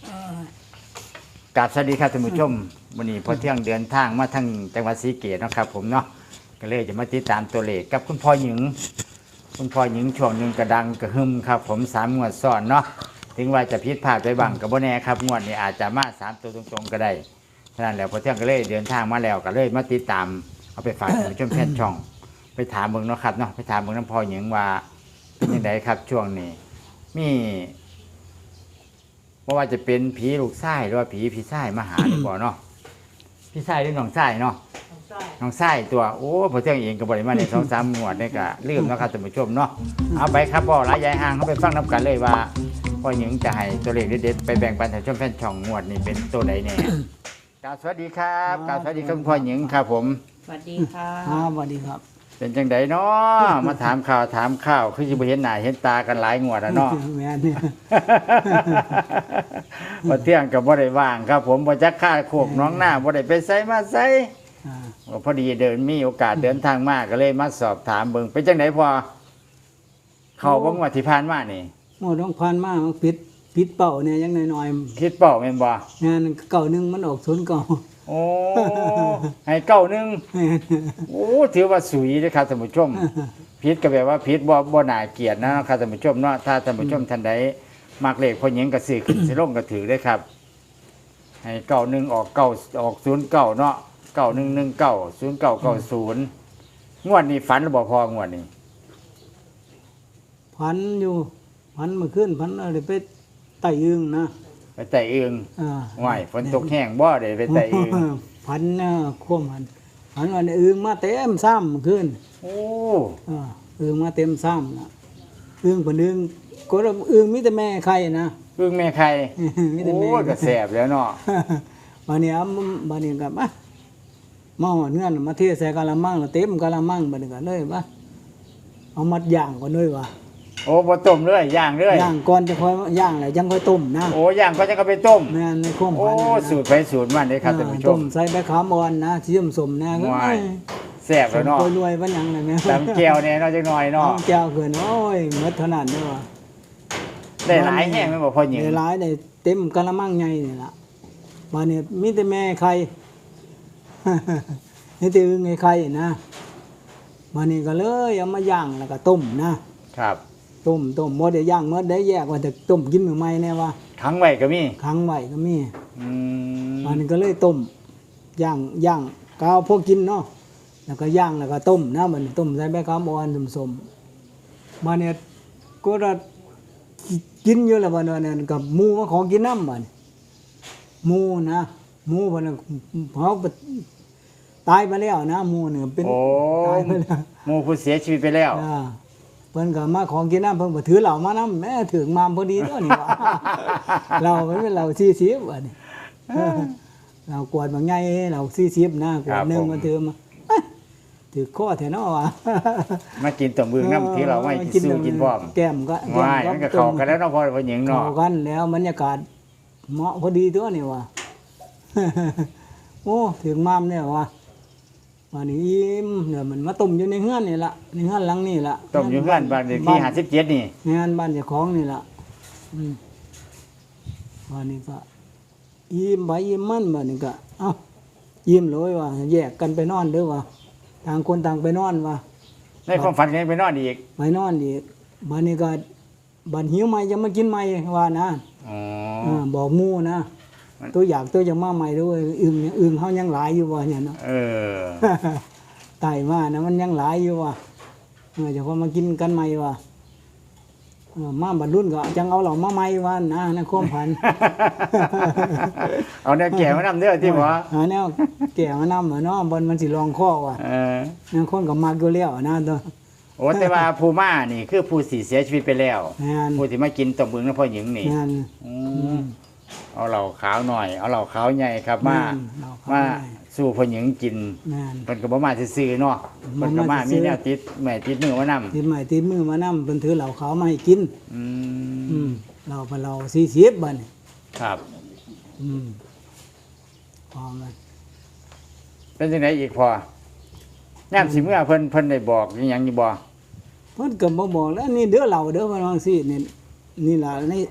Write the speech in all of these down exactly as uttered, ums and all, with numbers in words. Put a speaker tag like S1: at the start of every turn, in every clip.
S1: กราบสวัสดีครับท่านผู้ชมวันนี้พอเที่ยงเดินทางมาทางจังหวัดศรีสะเกษนะครับผมเนาะก็เลยจะมาติดตามตัวเลขกับคุณพ่อหญิงคุณพ่อหญิงช่วงหนึ่งกระดังกระหึ่มครับผมสามงวดซ้อนเนาะถึงว่าจะผิดพลาดไปบ้างกับโบแน่ครับงวดนี้อาจจะมาสามตัวตรงๆก็ได้ฉะนั้นแล้วพอเที่ยงก็เลยเดินทางมาแล้วก็เลยมาติดตามเอาไปฝากท่านผู้ชมแฟนช่องไปถามเบิ่งเนาะครับเนาะไปถามเบิ่งน้ำพ่อหญิงว่าเป็นยังไงครับช่วงนี้มีเพราะว่าจะเป็นผีลูกไส้หรือว่าผีพี่ไส้มาหาหรือเปล่าเนาะพี่ไส้หรือน้องไส้เนาะน้องไส้ตัวโอ้พอเที่ยงเองก็บริมาในสองสามงวดนี่ก็ลืมนะครับท่านผู้ชมเนาะเอาไปครับพ่อหลายยายห่างเขาไปฟังน้ำกันเลยว่าพ่อหญิงจะให้ตัวเลขเด็ดๆไปแบ่งปันท่านผู้ชมแฟนช่องงวดนี่เป็นตัวไหนแน่กล่าวสวัสดีครับกล่าวสวัสดีคุณพ่อหญิงครับผม
S2: สวัสดีค่ะ
S3: ครับสวัสดีครับ
S1: เป็นจังไดเนาะมาถามข่าวถามข้าวคือจะไปเห็นหน้าเห็นตากันหลายงวดแล้วเนาะ
S3: แม่เนี่ย
S1: พอเที่ยงกับบ่ได้ว่างครับผมบ่จักค่าโคกน้องหน้าบ่ได้ไปไสมาไสพอดีเดินมีโอกาสเดินทางมาก็เลยมาสอบถามเบิ่งเป็นจังไดพอเข้าบ่งวดที่ผ่านมานี่
S3: โอ้ต้องพันมากมันปิดปิดเป่าเนี่ยยังน้อย
S1: ๆคิดเป้าแม่นบ่
S3: งานเก่านึงมันออกศูนย์เก่า
S1: โอ้ให้เก้านึงโอ้ถือว่าสุยเด้อครับท่านผู้ชมผิดก็แบบว่าผิดบ่บ่น่าเกลียดนะครับท่านผู้ชมเนาะถ้าท่านผู้ชมท่านใดมักเลขพ่อหญิงก็ซื้อขึ้นสิลงก็ถือได้ครับให้เก้านึงออกเก้าออกศูนย์เก้าเนาะเก้าหนึ่งหนึ่งเก้าศูนย์เก้าเก้าศูนย์งวดนี้ฝันหรือบ่พองวดนี้
S3: พันอยู่พันเมื่อคืนพันอะไรไปไต่อึงนะ
S1: ไปไต่อึงไหวฝนตกแห้งบ่ได้ไปไต่อึง
S3: พันเนี่ยควบมันพันวันอึงมาเต็มซ้ำเมื่อคืน
S1: โอ้
S3: อึงมาเต็มซ้ำนะอึงผนอึงก็อึงมิแต่แม่ใครนะ
S1: อึงแม่ใครโอ้ก็แสบแล้วเนาะ
S3: บานนี้บานนี้กับอ่ะมาหอดเงื่อนมาเทใส่กะละมังเต็มกะละมังบานนี้กันเลยว่าเอามัดย่างก่อนเลยว่ะ
S1: โอ้บ่ต้มเลยย่างเลย
S3: ย่างก่อนจะค่อยย่างแล้วยังค่อยต้มนะ
S1: โอ้ย่างก็จะก็ไปต้ม
S3: แม่ในข้อมพัน
S1: โอ้สูตรไปสูตรมันเด้ครับท่านผู้ชมต้ม
S3: ใส่ใบขามอ่อนนะที่สมๆนะก็
S1: แซ่บแล้วเนาะ
S3: รวยๆว่าหยังเลยแม่
S1: ตำแก้วเนี่ยเนาะจังหน่อยเนาะ
S3: ตำแก้วเกินโอ้ยหมดเท่านั้นเด้อว่ะ
S1: ได้หลายแห้งแม่นบ่พ่อหญิง
S3: ได้หลายได้เต็มกะละมังใหญ่นี่ล่ะบัดนี้มีแต่แม่ไข่นี่แต่อึ่งไอ้ไข่นะบัดนี้ก็เลยเอามาย่างแล้วก็ต้มนะครับต้มต้มบ่ได้ย่างหมดได้แยกว่าจะต้มกินมื้อใหม่แน่ว่า
S1: ขังไว้ก็มี
S3: ขังไว้ก็มี
S1: อืม
S3: บัดนี้ก็เลยต้มย่างย่างกาวพวกกินเนาะแล้วก็ย่างแล้วก็ต้มนะบัดนี้ต้มใส่ใบขามอ่อนสมๆบัดนี้ก็ได้กินอยู่แล้วบัดนั้นกับหมูมาขอกินน้ำบัดหมูนะหมูบัดนั้นเขาตายไปแล้วนะหมูเนี่ยเป็น
S1: ตายไปแล้วหมูผู้เสียชีวิตไปแล้ว
S3: อ่าเพิ่นก็มาของกินน้ำเพิ่นก็ถือเหล้ามานำแม่ถึงมาพอดีตัวนี้ว่าเราเป็นเราสี่สิบบัดนี้เรากวดบางใหญ่เราสี่สิบนะกวดนึงมาถือมาถือข้อแถวเนาะว่ะ
S1: มากินต้มบึงน้ำที่เราไม่กินสู้กินพร้อม
S3: แก้มก็
S1: ง่ายมันก็เข้ากันแล้วเนาะพ่อพ่อหญิงเนาะ
S3: เข้ากันแล้วบรรยากาศเหมาะพอดีตัวนี้ว่ะโอ้ถึงมามเนี่ยว่ะวันนี้อิ่มเนี่ยมันมาต้มอยู่ในเฮือนนี่ล่ะในเฮือนหลังนี่ล่ะ
S1: ต้มอยู่เฮือนบ้านเลขที่ห้าสิบเจ็ดนี่
S3: งานบ้านเจ้าของนี่ล่ะอืมวันนี้ก็อิ่มไปอิ่มมันบัดนี้ก็เอ้าอิ่มเลยว่ะแยกกันไปนอนเด้อว่ะต่างคนต่างไปนอนว่ะ
S1: ในความฝันกันไปนอนอีก
S3: ไปนอนอีกบัดนี้ก็บัดหิวใหม่จะมากินใหม่ว่านะ
S1: อ๋
S3: อบอกหมู่นะตัวอยากตัวจะมาใหม่ด้วยอึ่งอึ่งเฮายังหลายอยู่ว่ะเนี่ยเนาะ
S1: เออ
S3: ไต่มานะมันยังหลายอยู่ว่ะเออจะพอมากินกันใหม่ว่ะเออมาบัดรุ่นก็จังเอาเหล่ามาใหม่ว่านะในความพัน
S1: เอาแนวแก่มานำเด้อที่บ่
S3: หาแนวแก่มานำเนาะบนมันสิรองคอว่ะ
S1: เออ
S3: นั่นคนก็มักอยู่แล้วนะตัว
S1: โอ้แต่ว่าผู้มานี่คือผู้สิเสียชีวิตไปแล้วผู้ที่มากินต้มบึงนำพ่อหญิงนี่อืมเอาเหล่าขาวหน่อยเอาเหล่าขาวใหญ่ครับมามาสู่พ่อหญิงกินเพิ่นก็บ่มาซื่อๆเนาะเพิ่นก็มามีแนวติดแม่ติดมือมานำ
S3: ติดไม้ติดมือมานำเพิ่นถือเหล่าขาวมาให้กิน
S1: อืม
S3: อืมเหล่าเพิ่นเหล่าสี่สิบบัดนี้
S1: ครับ
S3: อืมพอมัน
S1: เป็นจังได๋อีกพอยามสิเมื่อเพิ่นเพิ่นได้บอกอีหยังอยู่บ่
S3: เพิ่นก็บ่บอกแล้วนี่เด้อเหล่าเด้อเพิ่นว่าจังซี่นี่นี่ล่ะใน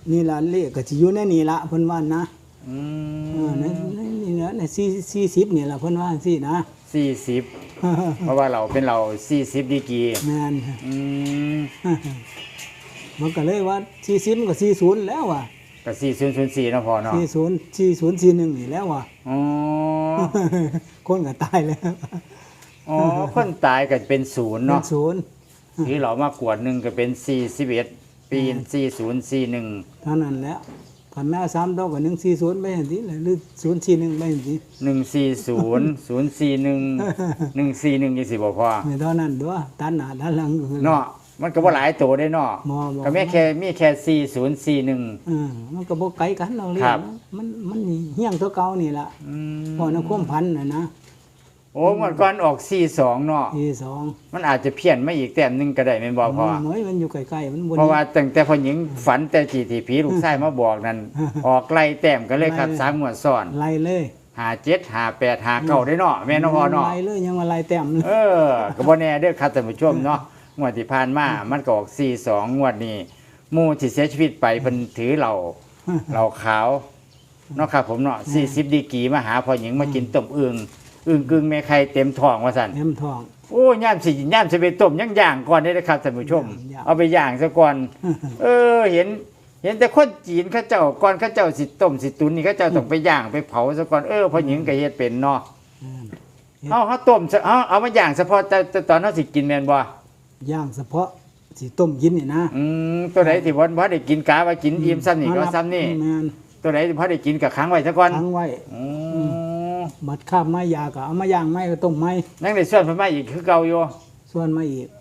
S3: นี่ล่ะเลขก็สิอยู่ในนี่ละเพิ่นว่านะ
S1: อื
S3: เออใน
S1: ม
S3: ในนี่นะในสี่ 40นี่ล่ะเพิ่นว่าจังซี่นะ
S1: สี่สิบเพราะว่าเราเป็นเราสี่สิบดีกรี
S3: แม่น
S1: อืม
S3: มันก็เลยว่า40มันก็40แล้วว่ะ
S1: ก็สี่ศูนย์ศูนย์สี่เนาะพอเนาะ
S3: 40 40 41นี่แล้วว่ะ
S1: อ๋อ
S3: คนก็ตายแล้ว
S1: อ๋อคนตายก็เป็นศูนย์
S3: เป็น
S1: เนาะ
S3: ศูนย์
S1: ที่เรามากวดหนึ่งก็เป็นสี่สิบเอ็ดปีสี่ศูนย์สี่หนึ่ง
S3: เท่านั้นแหล้วคันแม่สามดอกก็หนึ่งสี่ศูนย์ไปเห็นสิหรือศูนย์สี่หนึ่งไปเห็นสิ
S1: หนึ่งสี่ศูนย์ศูนย์สี่หนึ่งหนึ่งสี่หนึ่งยี่สิบบ่พอ
S3: ไม่เท่านั้นด้วยตันหน้าตันหลังก็คือ
S1: เนาะมันก็บ่หลายตัวได้เนาะ
S3: บ่บ่
S1: ก็แม่แค่มีแค่สี่ศูนย์สี่หนึ่ง
S3: เออมันก็บ่ไกลกันเราเรีย
S1: ครั
S3: น
S1: บ
S3: มันมันเฮี้ยงตัวเก่านี่ล่ะ
S1: อืม
S3: พอนะความพันน่ะนะ
S1: โอ้เมื่อก่อนออกสี่สองเนาะ
S3: ที่สอง
S1: มันอาจจะเพี้ยนมาอีกแต้มหนึงก็ได้แม่นบ่พอ
S3: เหมยมันอยู่ใกล้ๆมันบ่
S1: เพราะว่าตั้งแต่พ่อหญิงฝันแต่จีที่ผีลูกชายมาบอกนั่นออกไล่แต้มกันเลยครับสามงวดซ้อน
S3: ไล่เลย
S1: ห้าเจ็ดห้าแปดห้าเก้าได้เนาะแม่นเนาะพ่อเนาะ
S3: ไล่เลยยังว่าไล่แต้มเลย
S1: เออก็บ่แน่เด้อครับท่านผู้ชมเนาะงวดที่ผ่านมามันก็ออกสี่สองงวดนี้หมู่ที่เสียชีวิตไปเพิ่นถือเหล้าเหล้าขาวเนาะครับผมเนาะสี่สิบดีกรีมาหาพ่อหญิงมากินต้มอึ่งอึ่งกึ่งแม่ไข่เต็มท้องว่าซั่น
S3: เต็มท้อง
S1: โอ้ย่ามสิย่ามสิไปต้มยังย่างก่อนเด้อครับท่านผู้ชม
S3: ย่าง
S1: เอาไปย่างซะก่อน เออเห็นเห็นแต่คนจีนเขาเจ้าก่อนเขาเจ้าสิต้มสิตุนนี่เขาเจ้าต้องไปย่างไปเผาซะก่อนเออพ่อหญิงก็เฮ็ดเป็นเนาะ
S3: อืม
S1: เอาเขาต้มซะเอาเอามาย่างเฉพาะแต่แต่ตอนเฮาสิกินแม่นบ่
S3: ย่างเฉพาะสิต้มกินนี่นะ
S1: อืมตัวไหนที่บ่บ่ได้กินกะว่ากินอิ่มซ้ำนี่ก็ซ้ำนี่
S3: แม่น
S1: ตัวไหนที่พอได้กินก็ค้างไว้ซะก่อน
S3: ทั้งไว้
S1: อืม
S3: บัดข้ามไม้ยาก็เอามาย่างไม้ก็ต้มไม้
S1: ยังได้ส่วนเพิ่นมาอีกคือเก่าอยู่
S3: ส่วนมาอีก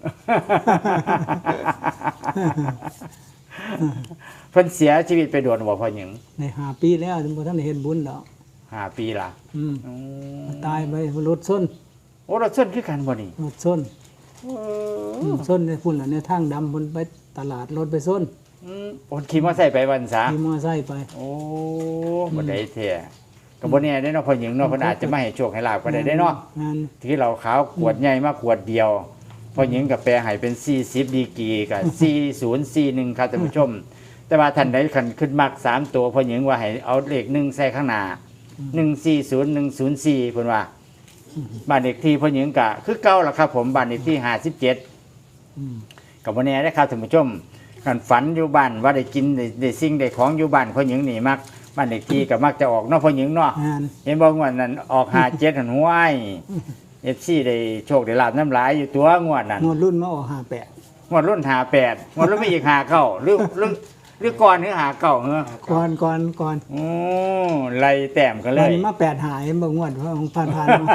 S1: เพิ่นเสียชีวิตไปโดนบ่พ่อหญิง
S3: ในห้าปีแล้วถึงบ่ทันได้เฮ็ดบุญดอก
S1: ห้าปีละ
S3: อืม
S1: อืม
S3: ตายไปรถส้น
S1: โอ้เราส่วนคือกันบ่นี่
S3: รถส้น
S1: เอ
S3: อื
S1: อ
S3: มส้นในพุ่นน่ะในทางดำพุ่นไปตลาดรถไปส้น
S1: อืมโอนขี่มอไซค์ไปวันซะ
S3: ขี่มอไซค์ไป
S1: โอ้บ่ได้แท้ก็บ่แน่ได้เนาะพ่อหญิงเนาะเพิ่นอาจจะมาให้โชคให้ลาภก็ได้ได้เนาะ
S3: งาน
S1: ที่เราขาวขวดใหญ่มากขวดเดียวพ่อหญิงกับแปรให้เป็นสี่สิบดีกรีกับสี่ศูนย์สี่หนึ่งครับท่านผู้ชม แต่ว่าท่านใดขันขึ้นมักสามตัวพ่อหญิงว่าให้เอาเลขหนึ่งใส่ข้างหน้าหนึ่งสี่ศูนย์หนึ่งศูนย์สี่เพิ่นว่าบ้านเลขที่พ่อหญิงกะคือเก่าล่ะครับผมบ้านเลขที่ห้าสิบเจ็ด
S3: อืม
S1: กับวันนี้ได้ครับท่านผู้ชมกันฝันอยู่บ้านว่าได้กินได้ได้สิ่งได้ของอยู่บ้านพ่อหญิงนี่มักบ้านเลขที่ก็มักจะออกเนาะพ่อหญิงเนาะ
S3: งาน
S1: เห็นบอกว่านั้นออกหาเจ็ดหันห้วยเอฟซีได้โชคได้ลาบน้ำลายอยู่ตัวงวดนั้น
S3: งวดรุ่นมาออกห้าแปด
S1: งวดรุ่นหาแปดงวดรุ่นไม่อีกหาเก้าหรือหรือหรือก่อนหรือหาเก้าเหรอ
S3: ก่อนก่อนก่อน
S1: โอ้ไล่แต้มกันเล
S3: วัน
S1: ย
S3: นี้มาแปดหายบ่งวดเพราะของผ่านผ่านมา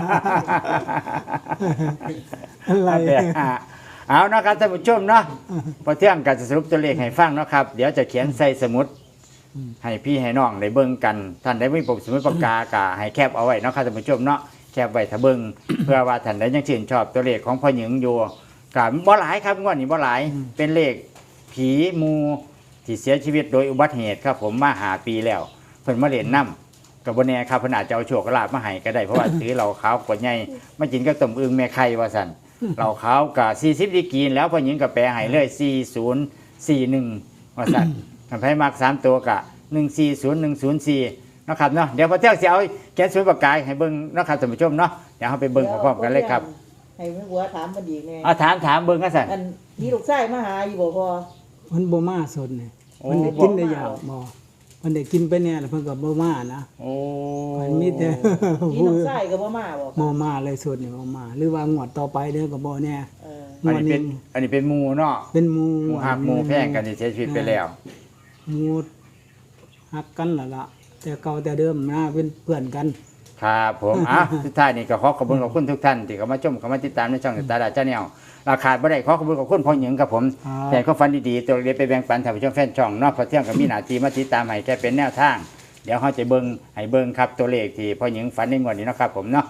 S3: อะไร
S1: แปดหาเอาเนาะครับท่านผู้ชมเนาะพอเที่ยงกันจะสรุปตัวเลขให้ฟังเนาะครับเดี๋ยวจะเขียนใส่สมุด ให้พี่ให้น้องได้เบิ่งกัน ท่านได้มีปกสมุดปากกากะให้แคบเอาไว้เนาะครับท่านผู้ชมเนาะแคบไว้ถ้าเบิ่ง เพื่อว่าท่านได้ยังชื่นชอบตัวเลขของพ่อหญิงอยู่กะบ่หลายครับงวดนี้บ่หลายเป็นเลขผีมูที่เสียชีวิตโดยอุบัติเหตุครับผมมาหาปีแล้ว เพิ่นมาเล่นน้ำกับบ่แน่ครับเพิ่นอาจจะเอาโชคลาภมาให้ก็ได้เพราะว่า ถือเหล้าขาวกวดใหญ่มากินกับต้มอึ่งแม่ไข่ว่าซั่นเหล้าขาวกะสี่สิบดีกรีแล้วพ่อหญิงก็แปลให้เลยสี่ศูนย์สี่หนึ่งว่าซั่น ท่านไผมักสามตัวกะหนึ่งสี่ศูนย์หนึ่งศูนย์สี่นาะครับเนาะเดี๋ยวพอเที่ยงสิเอาแกนสวยปากกายให้เบิ่งเนาะครับท่านผู้ชมเนาะเดี๋ยวเราไปเบิ่งพร้อมๆกันเลยครับ
S2: ให้แม่บัวถามมันอีกแน่
S1: เอาถามถามเบิ่งกันสั่น
S2: อันนี่ลูกชายมาหาอยู่บ่พอ
S3: มันบ่มาสดนี่
S1: โอ้
S3: มันได้กินได้ยาวบ่มันได้กินไปแน่แล้วเพิ่นก็บ่มานะ
S1: โอ้
S3: มันมีแต่
S2: นี่น้องชายก็บ่มาบ่
S3: บ่มาเลยสดนี่บ่มา หรือว่างวดต่อไปเด้อก็บ่แน่
S2: เออ
S3: ง
S1: อัน
S3: วด
S1: นี้เป็
S3: นี้
S1: นอันนี้เป็นหมูเนาะ
S3: เป็นหมู่
S1: หมูหักหมูแพงกันที่เสียชีวิตไปแล้ว
S3: หมู่ฮักกันล่ะล่ะแต่เก่าแต่เดิมนะเป็นเพื่อนกัน
S1: ครับผมอ่ะสุดท้ายนี่ก็ขอขอบคุณขอบคุณทุกท่านที่เข้ามาชมเข้ามาติดตามในช่องตาดาเจ้าแนวราคาบ่ได้ขอขอบคุณขอบคุณพ่อหญิงครับผม
S3: ครับ
S1: แต่ก็ฝันดีๆตัวเล็กไปแบ่งปันท่านผู้ชมแฟนช่องเนาะพอเที่ยงก็มีหน้าที่มาติดตามให้แกเป็นแนวทาง เดี๋ยวเขาจะเบิ่งให้เบิ่งครับตัวเลขที่พ่อหญิงฝันในงวดนี้เนาะครับผมเนาะ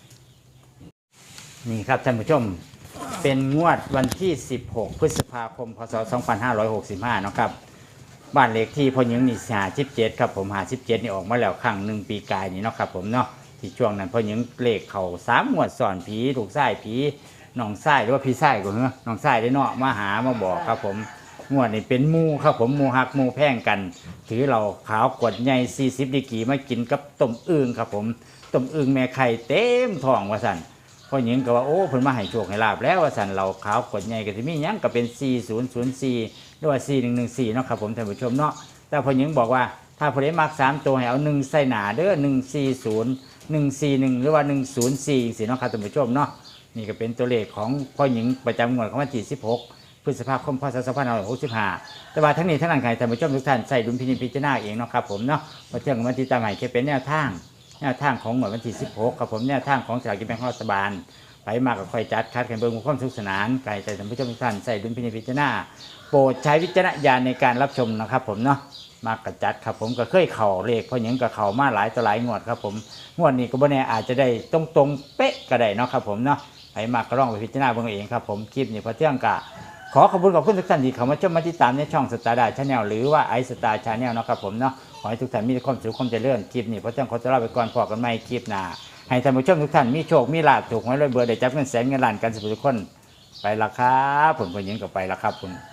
S1: นี่ครับท่านผู้ชมเป็นงวดวันที่ สิบหก พฤษภาคม พศ สองพันห้าร้อยหกสิบห้าเนาะครับบ้านเลขที่พ่อหญิงนี่ห้าสิบเจ็ดครับผมห้าสิบเจ็ดนี่ออกมาแล้วครั้งหนึ่งปีกายนี่เนาะครับผมเนาะที่ช่วงนั้นพ่อหญิงเลขเข่าสามงวดสอนผีถูกไส้ผีน้องไส้หรือว่าพี่ไส้ก็เหรอน้องไส้ได้เนาะมาหามาบอกครับผมงวดนี้เป็นหมูครับผมหมูหักหมูแพงกัน ถือเราขาวกวดใหญ่สี่สิบดีกรีมากินกับต้มอึ่งครับผมต้มอึ่งแม่ไข่เต็มท้องว่าสั่นพ่อหญิงก็ว่าโอ้เพิ่นมาให้โชคให้ลาบแล้วว่าสั่นเราขาวกวดใหญ่ก็สิมีหยังก็เป็นสี่ศูนย์ศูนย์สี่หรือว่าสี่หนึ่งหนึ่งสี่เนาะครับผมท่านผู้ชมเนาะแต่พ่อหญิงบอกว่าถ้าผู้ใดมักสามตัวให้เอาหนึ่งใส่หนาเด้อหนึ่งสี่ศูนย์หนึ่งสี่หนึ่งหรือว่าหนึ่งศูนย์สี่สี่เนาะครับท่านผู้ชมเนาะนี่ก็เป็นตัวเลขของพ่อหญิงประจำงวดของวันที่สิบหกพฤษภาคมพศสองพันห้าร้อยหกสิบห้าแต่ว่าทั้งนี้ทั้งนั้นใครท่านผู้ชมทุกท่านใส่ดุลพินิจพิจารณาเองเนาะครับผมเนาะมาเที่ยงวันที่ตามใหม่แค่เป็นแนวทางแนวทางของงวดวันที่สิบหกครับผมแนวทางของสลากกินแบ่งรัฐบาลไปมากกับค่อยจัดคัดกันเบิ่งความสนุกสนานไก่ใจท่านผู้ชมทุกท่านใส่ดุลพินิจพิจารณาโปรดใช้วิจารณญาณในการรับชมนะครับผมเนาะมากระจัดครับผมก็เคยเข่าเลขเพราะหยังก็เข่ามาหลายต่อหลายงวดครับผมงวดนี้ก็บ่แน่อาจจะได้ตรงตรงเป๊ะก็ได้เนาะครับผมเนาะไปมากก็ลองไปพิจารณาเบิ่งเองครับผมคลิปนี้พอเที่ยงกะขอขอบคุณขอบคุณทุกท่านที่เข้ามาชมมาติดตามในช่องสตาร์ดาชาแนลหรือว่าไอสตาร์ชาแนลนะครับผมเนาะขอให้ทุกท่านมีความสุขความเจริญคลิปนี้พอเที่ยงขอตัวลาไปก่อนพอกันใหม่คลิปหน้าให้ท่านผู้ชมทุกท่านมีโชคมีลาภถูกหวยรวยเบอร์ได้จับเงินแสนเงินล้านกันสุขทุกคนไปละครับผมคนยิงก็ไปละครับผม